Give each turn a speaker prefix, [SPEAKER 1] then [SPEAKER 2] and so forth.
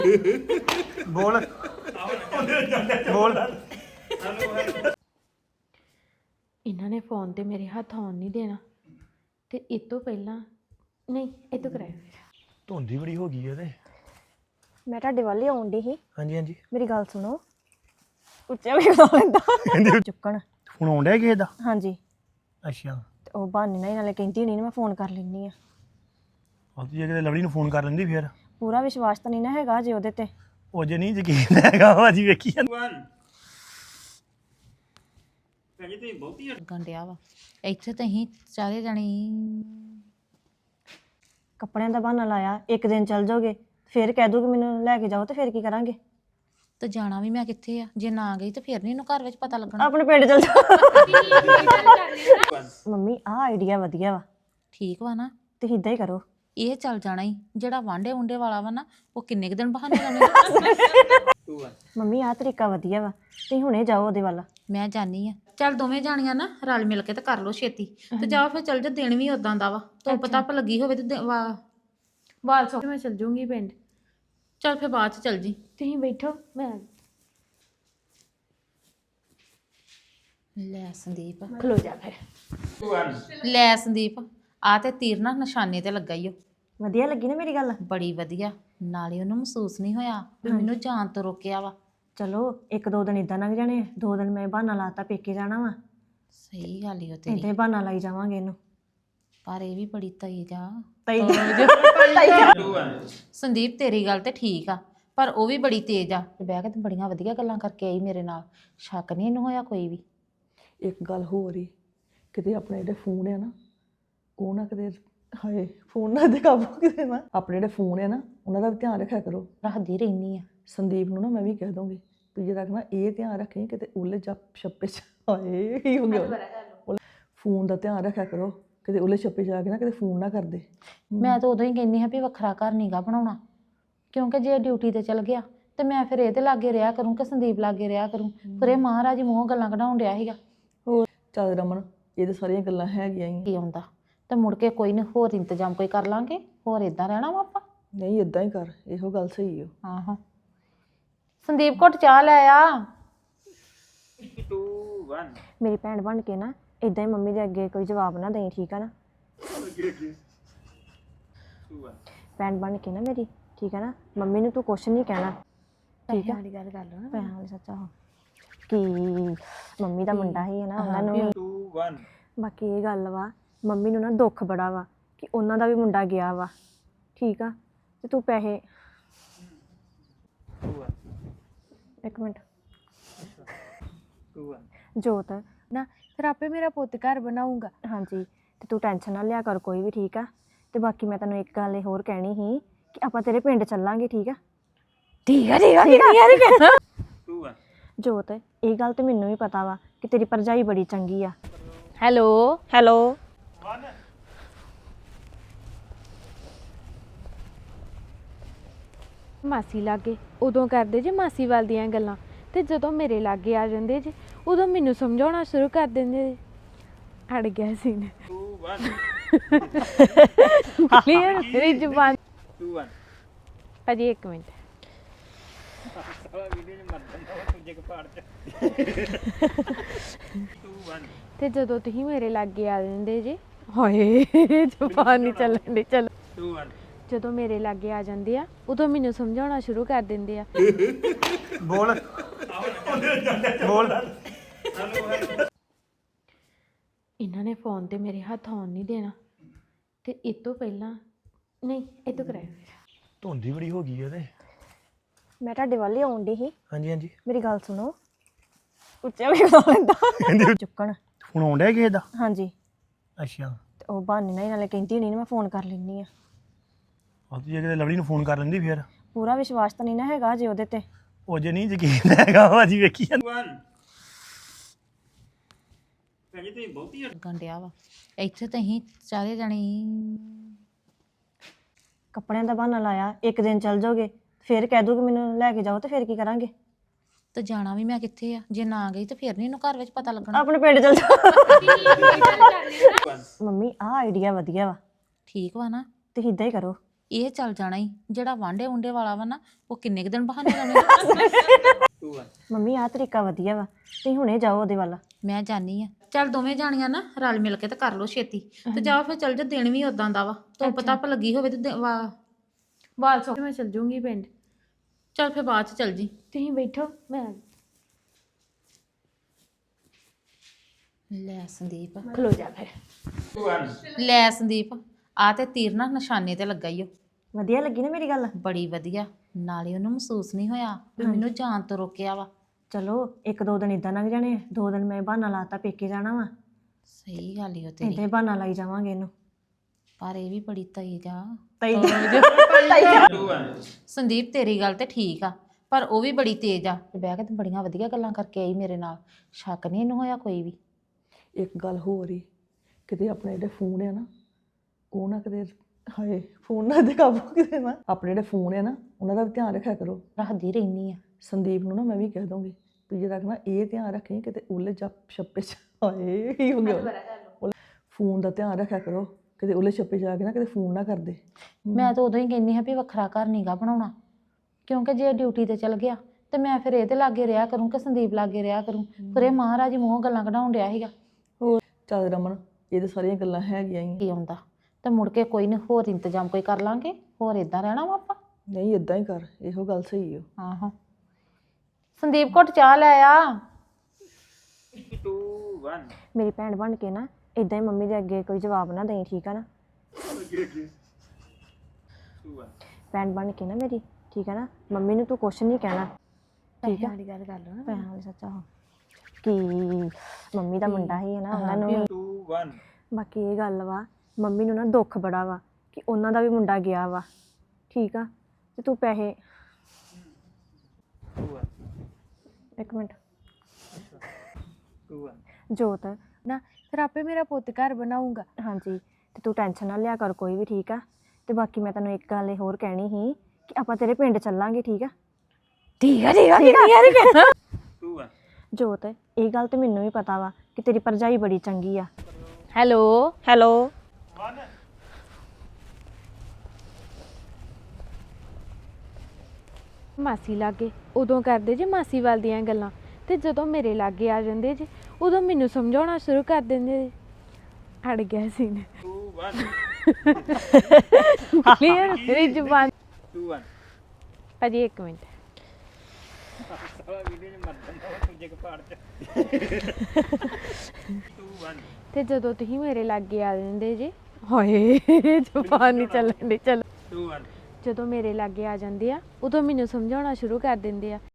[SPEAKER 1] ਬੋਲ ਬੋਲ।
[SPEAKER 2] ਇਹਨਾਂ ਨੇ ਫੋਨ ਤੇ ਮੇਰੇ ਹੱਥ ਆਉਣ ਨਹੀਂ ਦੇਣਾ ਤੇ ਇਹ ਤੋਂ ਪਹਿਲਾਂ ਨਹੀਂ ਇਹ ਤੋਂ ਕਰਾਇਆ
[SPEAKER 1] ਧੁੰਦੀ ਬੜੀ ਹੋ ਗਈ ਹੈ ਤੇ
[SPEAKER 3] ਮੈਂ ਤੁਹਾਡੇ ਵੱਲ ਹੀ ਆਉਣ ਦੀ ਸੀ।
[SPEAKER 1] ਹਾਂਜੀ ਹਾਂਜੀ
[SPEAKER 3] ਮੇਰੀ ਗੱਲ ਸੁਣੋ। ਉੱਚਾ ਵੀ ਬੋਲ ਲੈਂਦਾ ਚੁੱਕਣ
[SPEAKER 1] ਫੋਨ ਆਉਣ ਡਿਆ ਕਿਸੇ ਦਾ?
[SPEAKER 3] ਹਾਂਜੀ
[SPEAKER 1] ਅੱਛਾ
[SPEAKER 3] ਤੇ ਉਹ ਬਹਾਨੇ ਨਾਲ ਹੀ ਨਾਲੇ ਕਹਿੰਦੀ ਹੋਣੀ ਨਾ ਮੈਂ ਫੋਨ ਕਰ ਲੈਂਦੀ ਆ।
[SPEAKER 1] ਉਹ ਜੇ ਕਿਤੇ ਲਵਲੀ ਨੂੰ ਫੋਨ ਕਰ ਲੈਂਦੀ ਫਿਰ
[SPEAKER 3] ਪੂਰਾ ਵਿਸ਼ਵਾਸ ਤਾਂ ਨਹੀਂ ਨਾ ਹੈਗਾ ਜੇ ਉਹਦੇ ਤੇ।
[SPEAKER 1] ਉਹ ਜੇ ਨਹੀਂ ਯਕੀਨ ਹੈਗਾ ਭਾਜੀ ਵੇਖੀ
[SPEAKER 4] ਗੰਡਿਆ ਵਾ ਇੱਥੇ ਤਾਂ ਅਸੀਂ ਚਾਰੇ ਜਾਣੇ
[SPEAKER 3] ਕੱਪੜਿਆਂ ਦਾ ਬਹਾਨਾ ਲਾਇਆ, ਇੱਕ ਦਿਨ ਚੱਲ ਜਾਓਗੇ ਫਿਰ ਕਹਿ ਦੂਗੀ ਮੈਨੂੰ ਲੈ ਕੇ ਜਾਓ ਤੇ ਫਿਰ ਕੀ ਕਰਾਂਗੇ?
[SPEAKER 4] ਤੇ ਜਾਣਾ ਵੀ ਮੈਂ ਕਿੱਥੇ ਆ? ਜੇ ਨਾ ਗਈ ਤੇ ਫਿਰ ਨਹੀਂ ਇਹਨੂੰ ਘਰ ਵਿੱਚ ਪਤਾ ਲੱਗਣਾ।
[SPEAKER 3] ਆਪਣੇ ਪਿੰਡ ਚੱਲ ਜਾ। ਮੰਮੀ ਆਹ ਆਈਡੀਆ ਵਧੀਆ ਵਾ,
[SPEAKER 4] ਠੀਕ ਵਾ ਨਾ?
[SPEAKER 3] ਤੁਸੀਂ ਇਦਾਂ ਹੀ ਕਰੋ।
[SPEAKER 4] ਇਹ ਚੱਲ ਜਾਣਾ ਹੀ ਜਿਹੜਾ ਵਾਂਡੇ ਉਂਡੇ ਵਾਲਾ ਵਾ ਨਾ, ਉਹ ਕਿੰਨੇ ਕੁ ਦਿਨ ਬਹਾਨੇ ਲਾਉਣੇ।
[SPEAKER 3] ਮੰਮੀ ਆਹ ਤਰੀਕਾ ਵਧੀਆ ਵਾ, ਤੁਸੀਂ ਹੁਣੇ ਜਾਓ ਉਹਦੇ ਵੱਲ।
[SPEAKER 4] ਮੈਂ ਜਾਣੀ ਆ। ਚੱਲ ਦੋਵੇਂ ਜਾਣੀਆਂ ਨਾ ਰਲ ਮਿਲ ਕੇ ਤੇ ਕਰ ਲਓ ਛੇਤੀ ਤੇ ਜਾਓ ਫਿਰ ਚੱਲ ਜਾ। ਦਿਨ ਵੀ ਉਦਾਂ ਦਾ ਵਾ, ਧੁੱਪ ਧੱਪ ਲੱਗੀ ਹੋਵੇ ਤੇ
[SPEAKER 2] ਵਾਲ ਸੋ ਮੈਂ ਚੱਲ ਜੂੰਗੀ ਪਿੰਡ।
[SPEAKER 4] ਚੱਲ ਫਿਰ ਬਾਅਦ ਚ ਚੱਲ ਜੀ।
[SPEAKER 2] ਤੁਸੀਂ ਬੈਠੋ ਮੈਂ
[SPEAKER 4] ਲੈ ਸੰਦੀਪ,
[SPEAKER 2] ਖਲੋ ਜਾ ਫਿਰ।
[SPEAKER 4] ਲੈ ਸੰਦੀਪ, ਆ ਤੇ ਤੀਰ ਨਾ ਨਿਸ਼ਾਨੇ ਤੇ ਲੱਗਾ ਈ ਓ।
[SPEAKER 3] ਵਧੀਆ ਲੱਗੀ ਨਾ ਮੇਰੀ ਗੱਲ?
[SPEAKER 4] ਬੜੀ ਵਧੀਆ। ਨਾਲੇ ਉਹਨੂੰ ਮਹਿਸੂਸ ਨਹੀਂ ਹੋਇਆ ਵੀ ਮੈਨੂੰ ਜਾਣ ਤੋਂ ਰੋਕਿਆ ਵਾ।
[SPEAKER 3] ਚਲੋ ਇੱਕ ਦੋ ਦਿਨ ਇਦਾਂ ਲੰਘ ਜਾਣੇ, 2 ਦਿਨ ਮੈਂ ਬਹਾਨਾ ਲਾਤਾ ਪੇਕੇ ਜਾਣਾ ਵਾ,
[SPEAKER 4] ਸਹੀ ਗੱਲ ਈ ਉਹ
[SPEAKER 3] ਏਦਾਂ
[SPEAKER 4] ਤੇਰੀ।
[SPEAKER 3] ਹੀ ਬਹਾਨਾ ਲਾਈ ਜਾਵਾਂਗੇ ਇਹਨੂੰ।
[SPEAKER 4] ਪਰ ਇਹ ਵੀ ਬੜੀ ਤੇਜ਼ ਆ
[SPEAKER 3] ਤਈ
[SPEAKER 4] ਸੰਦੀਪ। ਤੇਰੀ ਗੱਲ ਤੇ ਠੀਕ ਆ ਪਰ ਉਹ ਵੀ ਬੜੀ ਤੇਜ਼ ਆ। ਤੇ ਬਹਿ ਕੇ ਤੇ ਬੜੀਆਂ ਵਧੀਆ ਗੱਲਾਂ ਕਰਕੇ ਆਈ ਮੇਰੇ ਨਾਲ। ਸ਼ੱਕ ਨਹੀਂ ਇਹਨੂੰ ਹੋਇਆ ਕੋਈ ਵੀ।
[SPEAKER 5] ਇੱਕ ਗੱਲ ਹੋਰ ਹੀ, ਕਿਤੇ ਆਪਣੇ ਜਿਹੜੇ ਫੋਨ ਆ ਨਾ ਉਹ ਨਾ ਕਿਤੇ ਹਾਏ ਫੋਨ ਨਾ ਦੇ ਕਾਬੂ ਕਿਤੇ ਨਾ। ਆਪਣੇ ਜਿਹੜੇ ਫੋਨ ਆ ਨਾ ਉਹਨਾਂ ਦਾ ਵੀ ਧਿਆਨ ਰੱਖਿਆ ਕਰੋ।
[SPEAKER 4] ਰੱਖਦੀ ਰਹਿਨੀ ਆ।
[SPEAKER 5] ਸੰਦੀਪ ਨੂੰ ਨਾ ਮੈਂ ਵੀ ਕਹਿ ਦੂੰਗੀ ਵੀ ਜੇ ਰੱਖਣਾ ਇਹ ਧਿਆਨ ਰੱਖੀ ਕਿਤੇ ਉਲੇ ਛੱਪੇ ਚ ਹਾਏ ਕੀ ਹੋ ਗਿਆ। ਫੋਨ ਦਾ ਧਿਆਨ ਰੱਖਿਆ ਕਰੋ, ਕਿਤੇ ਉਲੇ ਛੱਪੇ ਜਾ ਕੇ ਨਾ ਕਿਤੇ ਫੋਨ ਨਾ ਕਰਦੇ।
[SPEAKER 4] ਮੈਂ ਤਾਂ ਉਦੋਂ ਹੀ ਕਹਿੰਦੀ ਹਾਂ ਵੀ ਵੱਖਰਾ ਘਰ ਨੀਗਾ ਬਣਾਉਣਾ, ਕਿਉਂਕਿ ਜੇ ਡਿਊਟੀ ਤੇ ਚਲ ਗਿਆ ਤੇ ਮੈਂ ਫਿਰ ਇਹਦੇ ਲਾਗੇ ਰਿਹਾ ਕਰੂੰ ਕਿ ਸੰਦੀਪ ਲਾਗੇ ਰਿਹਾ ਕਰੂੰ। ਫਿਰ ਇਹ ਮਹਾਰਾਜ ਹੀ ਮੂੰਹੋਂ ਗੱਲਾਂ ਕਢਾਉਣ ਡਿਆ ਸੀਗਾ।
[SPEAKER 5] ਹੋਰ ਚੱਲ ਰਮਨ, ਇਹ ਤਾਂ ਸਾਰੀਆਂ ਗੱਲਾਂ ਹੈਗੀਆਂ ਹੀ।
[SPEAKER 4] ਕੀ ਆਉਂਦਾ ਤੇ ਮੁੜ ਕੇ ਕੋਈ ਨਹੀਂ, ਹੋਰ ਇੰਤਜ਼ਾਮ ਕੋਈ ਕਰ ਲਾਂਗੇ। ਹੋਰ ਇਦਾਂ ਰਹਿਣਾ ਵਾ ਆਪਾਂ?
[SPEAKER 5] ਨਹੀਂ ਇਦਾਂ ਹੀ ਕਰ, ਇਹੋ ਗੱਲ ਸਹੀ ਓ।
[SPEAKER 4] ਆਹੋ ਸੰਦੀਪ ਘੁੱਟ ਚਾਹ ਲੈ ਆ।
[SPEAKER 3] ਮੇਰੀ ਭੈਣ ਬਣ ਕੇ ਨਾ ਇਦਾਂ ਹੀ ਮੰਮੀ ਦੇ ਅੱਗੇ ਕੋਈ ਜਵਾਬ ਨਾ ਦੇਈ, ਠੀਕ ਆ ਨਾ? ਭੈਣ ਬਣ ਕੇ ਨਾ ਮੇਰੀ, ਠੀਕ ਆ ਨਾ? ਮੰਮੀ ਨੂੰ ਤੂੰ ਕੁਛ ਨਹੀਂ ਕਹਿਣਾ, ਠੀਕ ਆ?
[SPEAKER 2] ਵਾਲੀ ਗੱਲ ਕਰ ਲਓ ਨਾ।
[SPEAKER 3] ਭੈਣ ਵਾਲੀ ਸੱਚਾ ਹੋ ਕਿ ਮੰਮੀ ਦਾ ਮੁੰਡਾ ਹੀ ਹੈ ਨਾ, ਉਹਨਾਂ ਨੂੰ ਵੀ। ਬਾਕੀ ਇਹ ਗੱਲ ਵਾ, ਮੰਮੀ ਨੂੰ ਨਾ ਦੁੱਖ ਬੜਾ ਵਾ ਕਿ ਉਹਨਾਂ ਦਾ ਵੀ ਮੁੰਡਾ ਗਿਆ ਵਾ, ਠੀਕ ਆ? ਤੇ ਤੂੰ ਪੈਸੇ ਇੱਕ ਮਿੰਟ ਜੋਤ
[SPEAKER 2] ਨਾ ਫਿਰ ਆਪੇ ਮੇਰਾ ਪੁੱਤ ਘਰ ਬਣਾਊਗਾ।
[SPEAKER 3] ਹਾਂਜੀ, ਤੇ ਤੂੰ ਟੈਨਸ਼ਨ ਨਾ ਲਿਆ ਕਰ ਕੋਈ ਵੀ, ਠੀਕ ਆ? ਤੇ ਬਾਕੀ ਮੈਂ ਤੈਨੂੰ ਇੱਕ ਗੱਲ ਇਹ ਹੋਰ ਕਹਿਣੀ ਸੀ ਕਿ ਆਪਾਂ ਤੇਰੇ ਪਿੰਡ ਚੱਲਾਂਗੇ, ਠੀਕ ਆ?
[SPEAKER 2] ਠੀਕ ਆ ਠੀਕ ਆ ਯਾਰ ਕਹਿਣਾ।
[SPEAKER 3] ਜੋਤ ਇਹ ਗੱਲ ਤੇ ਮੈਨੂੰ ਵੀ ਪਤਾ ਵਾ ਕਿ ਤੇਰੀ ਭਰਜਾਈ ਬੜੀ ਚੰਗੀ ਆ।
[SPEAKER 2] ਹੈਲੋ
[SPEAKER 3] ਹੈਲੋ
[SPEAKER 2] ਮਾਸੀ ਲਾਗੇ ਉਦੋਂ ਕਰਦੇ ਜੇ ਮਾਸੀ ਵੱਲ ਦੀਆਂ ਗੱਲਾਂ, ਤੇ ਜਦੋਂ ਮੇਰੇ ਲਾਗੇ ਆ ਜਾਂਦੇ ਜੇ ਉਦੋਂ ਮੈਨੂੰ ਸਮਝਾਉਣਾ ਸ਼ੁਰੂ ਕਰ ਦਿੰਦੇ ਜੇ। ਅੜ ਗਿਆ ਸੀ ਨੇ ਕਲੀਅਰ ਮੇਰੀ ਜ਼ੁਬਾਨ। ਭਾਜੀ ਇੱਕ ਮਿੰਟ। ਤੇ ਜਦੋਂ ਤੁਸੀਂ ਮੇਰੇ ਲਾਗੇ ਆ ਜਾਂਦੇ ਜੇ, ਹਾਏ ਜ਼ੁਬਾਨ ਨਹੀਂ ਚੱਲਣ ਦੀ। ਚਲੋ ਜਦੋਂ ਮੇਰੇ ਲਾਗੇ ਆ ਜਾਂਦੇ ਆ ਉਦੋਂ ਮੈਨੂੰ ਸਮਝਾਉਣਾ ਸ਼ੁਰੂ ਕਰ ਦਿੰਦੇ ਆ।
[SPEAKER 1] ਬੋਲ ਬੋਲ।
[SPEAKER 2] ਇਹਨਾਂ ਨੇ ਫੋਨ ਤੇ ਮੇਰੇ ਹੱਥ ਆਉਣ ਨਹੀਂ ਦੇਣਾ ਤੇ ਇਹ ਤੋਂ ਪਹਿਲਾਂ ਨਹੀਂ ਇਹ ਤੋਂ ਕਰਾਇਆ।
[SPEAKER 1] ਧੁੰਦੀ ਬੜੀ ਹੋ ਗਈ ਹੈ ਤੇ
[SPEAKER 3] ਮੈਂ ਤੁਹਾਡੇ ਵੱਲ ਹੀ ਆਉਣ ਦੀ ਸੀ।
[SPEAKER 1] ਹਾਂਜੀ ਹਾਂਜੀ
[SPEAKER 3] ਮੇਰੀ ਗੱਲ ਸੁਣੋ। ਉੱਚਾ ਵੀ ਬੋਲ ਲੈਂਦਾ ਚੁੱਕਣ
[SPEAKER 1] ਫੋਨ ਆਉਣ ਡਿਆ ਕਿਸੇ ਦਾ?
[SPEAKER 3] ਹਾਂਜੀ
[SPEAKER 1] ਅੱਛਾ
[SPEAKER 3] ਤੇ ਉਹ ਬਹਾਨੇ ਨਾਲ ਹੀ ਨਾਲੇ ਕਹਿੰਦੀ ਹੋਣੀ ਨਾ ਮੈਂ ਫੋਨ ਕਰ ਲੈਂਦੀ ਆ।
[SPEAKER 1] ਉਹ ਜੇ ਕਿਤੇ ਲਵਲੀ ਨੂੰ ਫੋਨ ਕਰ ਲੈਂਦੀ ਫਿਰ
[SPEAKER 3] ਪੂਰਾ ਵਿਸ਼ਵਾਸ ਤਾਂ ਨਹੀਂ ਨਾ ਹੈਗਾ ਜੇ ਉਹਦੇ ਤੇ।
[SPEAKER 1] ਉਹ ਜੇ ਨਹੀਂ ਯਕੀਨ ਹੈਗਾ ਭਾਜੀ ਵੇਖੀ
[SPEAKER 4] ਗੰਡਿਆ ਵਾ ਇੱਥੇ ਤਾਂ ਅਸੀਂ ਚਾਰੇ ਜਾਣੇ
[SPEAKER 3] ਕੱਪੜਿਆਂ ਦਾ ਬਹਾਨਾ ਲਾਇਆ, ਇੱਕ ਦਿਨ ਚੱਲ ਜਾਓਗੇ ਫਿਰ ਕਹਿ ਦੂਗੀ ਮੈਨੂੰ ਲੈ ਕੇ ਜਾਓ ਤੇ ਫਿਰ ਕੀ ਕਰਾਂਗੇ?
[SPEAKER 4] ਤੇ ਜਾਣਾ ਵੀ ਮੈਂ ਕਿੱਥੇ ਆ? ਜੇ ਨਾ ਗਈ ਤੇ ਫਿਰ ਨਹੀਂ ਇਹਨੂੰ ਘਰ ਵਿੱਚ ਪਤਾ ਲੱਗਣਾ।
[SPEAKER 3] ਆਪਣੇ ਪਿੰਡ ਚੱਲ ਜਾ। ਮੰਮੀ ਆਹ ਆਈਡੀਆ ਵਧੀਆ ਵਾ,
[SPEAKER 4] ਠੀਕ ਵਾ ਨਾ?
[SPEAKER 3] ਤੁਸੀਂ ਇਦਾਂ ਹੀ ਕਰੋ।
[SPEAKER 4] ਇਹ ਚੱਲ ਜਾਣਾ ਹੀ ਜਿਹੜਾ ਵਾਂਡੇ ਵੁੰਡੇ ਵਾਲਾ ਵਾ ਨਾ ਉਹ ਕਿੰਨੇ ਕੁ ਦਿਨ ਬਹਾਨੇ ਲਾਉਣੇ।
[SPEAKER 3] ਮੰਮੀ ਆਹ ਤਰੀਕਾ ਵਧੀਆ ਵਾ ਤੁਸੀਂ ਹੁਣੇ ਜਾਓ ਉਹਦੇ ਵੱਲ।
[SPEAKER 4] ਮੈਂ ਜਾਣੀ ਆ ਚੱਲ ਦੋਵੇਂ ਜਾਣੀਆਂ ਨਾ ਰਲ ਮਿਲ ਕੇ ਤੇ ਕਰ ਲੋ ਛੇਤੀ ਤੇ ਜਾਓ ਫਿਰ ਚੱਲ ਜਾ। ਦਿਨ ਵੀ ਉਦਾਂ ਦਾ ਵਾ ਧੁੱਪ ਧੱਪ ਲੱਗੀ ਹੋਵੇ ਤੇ ਬਾਲ ਸੋ
[SPEAKER 2] ਮੈਂ ਚਲ ਜੂੰਗੀ ਪਿੰਡ।
[SPEAKER 4] ਚੱਲ ਫਿਰ ਬਾਅਦ ਚ ਚੱਲ ਜੀ।
[SPEAKER 2] ਤੁਸੀਂ ਬੈਠੋ ਮੈਂ
[SPEAKER 4] ਲੈ ਸੰਦੀਪ
[SPEAKER 2] ਖਲੋ ਜਾ ਫਿਰ।
[SPEAKER 4] ਲੈ ਸੰਦੀਪ ਆ ਤੇ ਤੀਰ ਨਾ ਨਿਸ਼ਾਨੇ ਤੇ ਲੱਗਾ ਈ ਓ।
[SPEAKER 3] ਵਧੀਆ ਲੱਗੀ ਨਾ ਮੇਰੀ ਗੱਲ?
[SPEAKER 4] ਬੜੀ ਵਧੀਆ। ਨਾਲੇ ਉਹਨੂੰ ਮਹਿਸੂਸ ਨਹੀਂ ਹੋਇਆ ਵੀ ਮੈਨੂੰ ਜਾਣ ਤੋਂ ਰੋਕਿਆ ਵਾ।
[SPEAKER 3] ਚਲੋ 1-2 ਦਿਨ ਇਦਾਂ ਲੰਘ ਜਾਣੇ, 2 ਦਿਨ ਮੈਂ ਬਹਾਨਾ ਲਾਤਾ ਪੇਕੇ ਜਾਣਾ ਵਾ,
[SPEAKER 4] ਸਹੀ ਗੱਲ ਈ ਓ ਤੇਰੀ।
[SPEAKER 3] ਇੱਦਾਂ ਹੀ ਬਹਾਨਾ ਲਾਈ ਜਾਵਾਂਗੇ ਇਹਨੂੰ।
[SPEAKER 4] ਪਰ ਇਹ ਵੀ ਬੜੀ ਤੇਜ਼ ਆ।
[SPEAKER 3] ਤਈ
[SPEAKER 4] ਸੰਦੀਪ ਤੇਰੀ ਗੱਲ ਤੇ ਠੀਕ ਆ ਪਰ ਉਹ ਵੀ ਬੜੀ ਤੇਜ਼ ਆ। ਤੇ ਬਹਿ ਕੇ ਤੇ ਬੜੀਆਂ ਵਧੀਆ ਗੱਲਾਂ ਕਰਕੇ ਆਈ ਮੇਰੇ ਨਾਲ। ਸ਼ੱਕ ਨਹੀਂ ਇਹਨੂੰ ਹੋਇਆ ਕੋਈ ਵੀ।
[SPEAKER 5] ਇੱਕ ਗੱਲ ਹੋਰ ਹੀ, ਕਿਤੇ ਆਪਣੇ ਜਿਹੜੇ ਫੋਨ ਆ ਨਾ ਉਹ ਨਾ ਕਿਤੇ ਹਾਏ ਫੋਨ ਨਾ ਦੇ ਕਾਬੂ ਕਿਤੇ ਨਾ। ਆਪਣੇ ਜਿਹੜੇ ਫੋਨ ਆ ਨਾ ਉਹਨਾਂ ਦਾ ਵੀ ਧਿਆਨ ਰੱਖਿਆ ਕਰੋ।
[SPEAKER 4] ਰੱਖਦੀ ਰਹਿਨੀ ਆ।
[SPEAKER 5] ਸੰਦੀਪ ਨੂੰ ਨਾ ਮੈਂ ਵੀ ਕਹਿ ਦੂੰਗੀ ਵੀ ਜਿਹੜਾ ਨਾ ਇਹ ਧਿਆਨ ਰੱਖੀ ਕਿਤੇ ਉਲੇ ਛੱਪੇ ਚ ਹਾਏ ਕੀ ਹੋ ਗਿਆ। ਫੋਨ ਦਾ ਧਿਆਨ ਰੱਖਿਆ ਕਰੋ ਕਿਤੇ ਉਲੇ ਛੱਪੇ ਜਾ ਕੇ ਨਾ ਕਿਤੇ ਫੋਨ ਨਾ ਕਰਦੇ।
[SPEAKER 4] ਮੈਂ ਤਾਂ ਉਦੋਂ ਹੀ ਕਹਿੰਦੀ ਹਾਂ ਵੀ ਵੱਖਰਾ ਘਰ ਨੀਗਾ ਬਣਾਉਣਾ ਕਿਉਂਕਿ ਜੇ ਡਿਊਟੀ ਤੇ ਚਲ ਗਿਆ ਤੇ ਮੈਂ ਫਿਰ ਇਹਦੇ ਲਾਗੇ ਰਿਹਾ ਕਰੂੰ ਕਿ ਸੰਦੀਪ ਲਾਗੇ ਰਿਹਾ ਕਰੂੰ। ਫਿਰ ਇਹ ਮਹਾਰਾਜ ਮੂੰਹੋਂ ਗੱਲਾਂ ਕਢਾਉਣ ਡਿਆ ਸੀਗਾ।
[SPEAKER 5] ਹੋਰ ਚੱਲ ਰਮਨ ਇਹ ਤਾਂ ਸਾਰੀਆਂ ਗੱਲਾਂ ਹੈਗੀਆਂ ਹੀ।
[SPEAKER 4] ਕੀ ਆਉਂਦਾ ਤੇ ਮੁੜ ਕੇ ਕੋਈ ਨਹੀਂ ਹੋਰ ਇੰਤਜ਼ਾਮ ਕੋਈ ਕਰ ਲਾਂਗੇ। ਹੋਰ ਇਦਾਂ ਰਹਿਣਾ ਵਾ ਆਪਾਂ।
[SPEAKER 5] ਨਹੀਂ ਇਦਾਂ ਹੀ ਕਰ, ਇਹੋ ਗੱਲ ਸਹੀ ਓ।
[SPEAKER 4] ਆਹੋ ਸੰਦੀਪ ਘੁੱਟ ਚਾਹ ਲੈ ਆ।
[SPEAKER 1] 2 1
[SPEAKER 3] ਮੇਰੀ ਭੈਣ ਬਣ ਕੇ ਨਾ ਇਦਾਂ ਹੀ ਮੰਮੀ ਦੇ ਅੱਗੇ ਕੋਈ ਜਵਾਬ ਨਾ ਦੇਈ, ਠੀਕ ਆ ਨਾ?
[SPEAKER 1] 2 1
[SPEAKER 3] ਭੈਣ ਬਣ ਕੇ ਨਾ ਮੇਰੀ, ਠੀਕ ਆ ਨਾ? ਮੰਮੀ ਨੂੰ ਤੂੰ ਕੁਛ ਨਹੀਂ ਕਹਿਣਾ, ਠੀਕ ਆ?
[SPEAKER 2] ਵਾਲੀ ਗੱਲ ਕਰ ਲਓ ਨਾ।
[SPEAKER 3] ਭੈਣ ਵਾਲੀ ਸੱਚਾ ਹੋ ਕਿ ਮੰਮੀ ਦਾ ਮੁੰਡਾ ਹੀ ਹੈ ਨਾ, ਉਹਨਾਂ ਨੂੰ ਵੀ
[SPEAKER 1] 2 1
[SPEAKER 3] ਬਾਕੀ ਇਹ ਗੱਲ ਵਾ, ਮੰਮੀ ਨੂੰ ਨਾ ਦੁੱਖ ਬੜਾ ਵਾ ਕਿ ਉਹਨਾਂ ਦਾ ਵੀ ਮੁੰਡਾ ਗਿਆ ਵਾ, ਠੀਕ ਆ? ਤੇ ਤੂੰ ਪੈਸੇ
[SPEAKER 1] 2 1
[SPEAKER 3] ਇੱਕ ਮਿੰਟ
[SPEAKER 1] 2 1
[SPEAKER 2] ਜੋਤ ਨਾ ਫਿਰ ਆਪੇ ਮੇਰਾ ਪੁੱਤ ਘਰ ਬਣਾਊਗਾ।
[SPEAKER 3] ਹਾਂਜੀ, ਤੇ ਤੂੰ ਟੈਨਸ਼ਨ ਨਾ ਲਿਆ ਕਰ ਕੋਈ ਵੀ, ਠੀਕ ਆ? ਤੇ ਬਾਕੀ ਮੈਂ ਤੈਨੂੰ ਇੱਕ ਗੱਲ ਇਹ ਹੋਰ ਕਹਿਣੀ ਸੀ ਕਿ ਆਪਾਂ ਤੇਰੇ ਪਿੰਡ ਚੱਲਾਂਗੇ, ਠੀਕ ਆ?
[SPEAKER 2] ਠੀਕ ਆ ਠੀਕ ਆ ਠੀਕ ਆ
[SPEAKER 1] 2 1
[SPEAKER 3] ਜੋਤ ਇਹ ਗੱਲ ਤੇ ਮੈਨੂੰ ਵੀ ਪਤਾ ਵਾ ਕਿ ਤੇਰੀ ਭਰਜਾਈ ਬੜੀ ਚੰਗੀ ਆ।
[SPEAKER 2] ਹੈਲੋ
[SPEAKER 3] ਹੈਲੋ
[SPEAKER 2] ਮਾਸੀ ਲਾਗੇ ਉਦੋਂ ਕਰਦੇ ਜੇ ਮਾਸੀ ਵੱਲ ਦੀਆਂ ਗੱਲਾਂ ਤੇ ਜਦੋਂ ਮੇਰੇ ਲਾਗੇ ਆ ਜਾਂਦੇ ਜੇ ਉਦੋਂ ਮੈਨੂੰ ਸਮਝਾਉਣਾ ਸ਼ੁਰੂ ਕਰ ਦਿੰਦੇ ਜੇ। ਅੜ ਗਿਆ ਸੀ ਨੇ
[SPEAKER 1] 2 1
[SPEAKER 2] ਕਲੀਅਰ ਮੇਰੀ ਜ਼ੁਬਾਨ।
[SPEAKER 1] 2 1
[SPEAKER 2] ਭਾਜੀ ਇੱਕ ਮਿੰਟ। ਤੇ ਜਦੋਂ ਤੁਸੀਂ ਮੇਰੇ ਲਾਗੇ ਆ ਜਾਂਦੇ ਜੇ ਹਾਏ ਜ਼ੁਬਾਨ ਨਹੀਂ ਚੱਲਣ ਦੀ। ਚਲੋ
[SPEAKER 1] 2 1
[SPEAKER 2] ਜਦੋਂ ਮੇਰੇ ਲਾਗੇ ਆ ਜਾਂਦੇ ਆ ਉਦੋਂ ਮੈਨੂੰ ਸਮਝਾਉਣਾ ਸ਼ੁਰੂ ਕਰ ਦਿੰਦੇ ਆ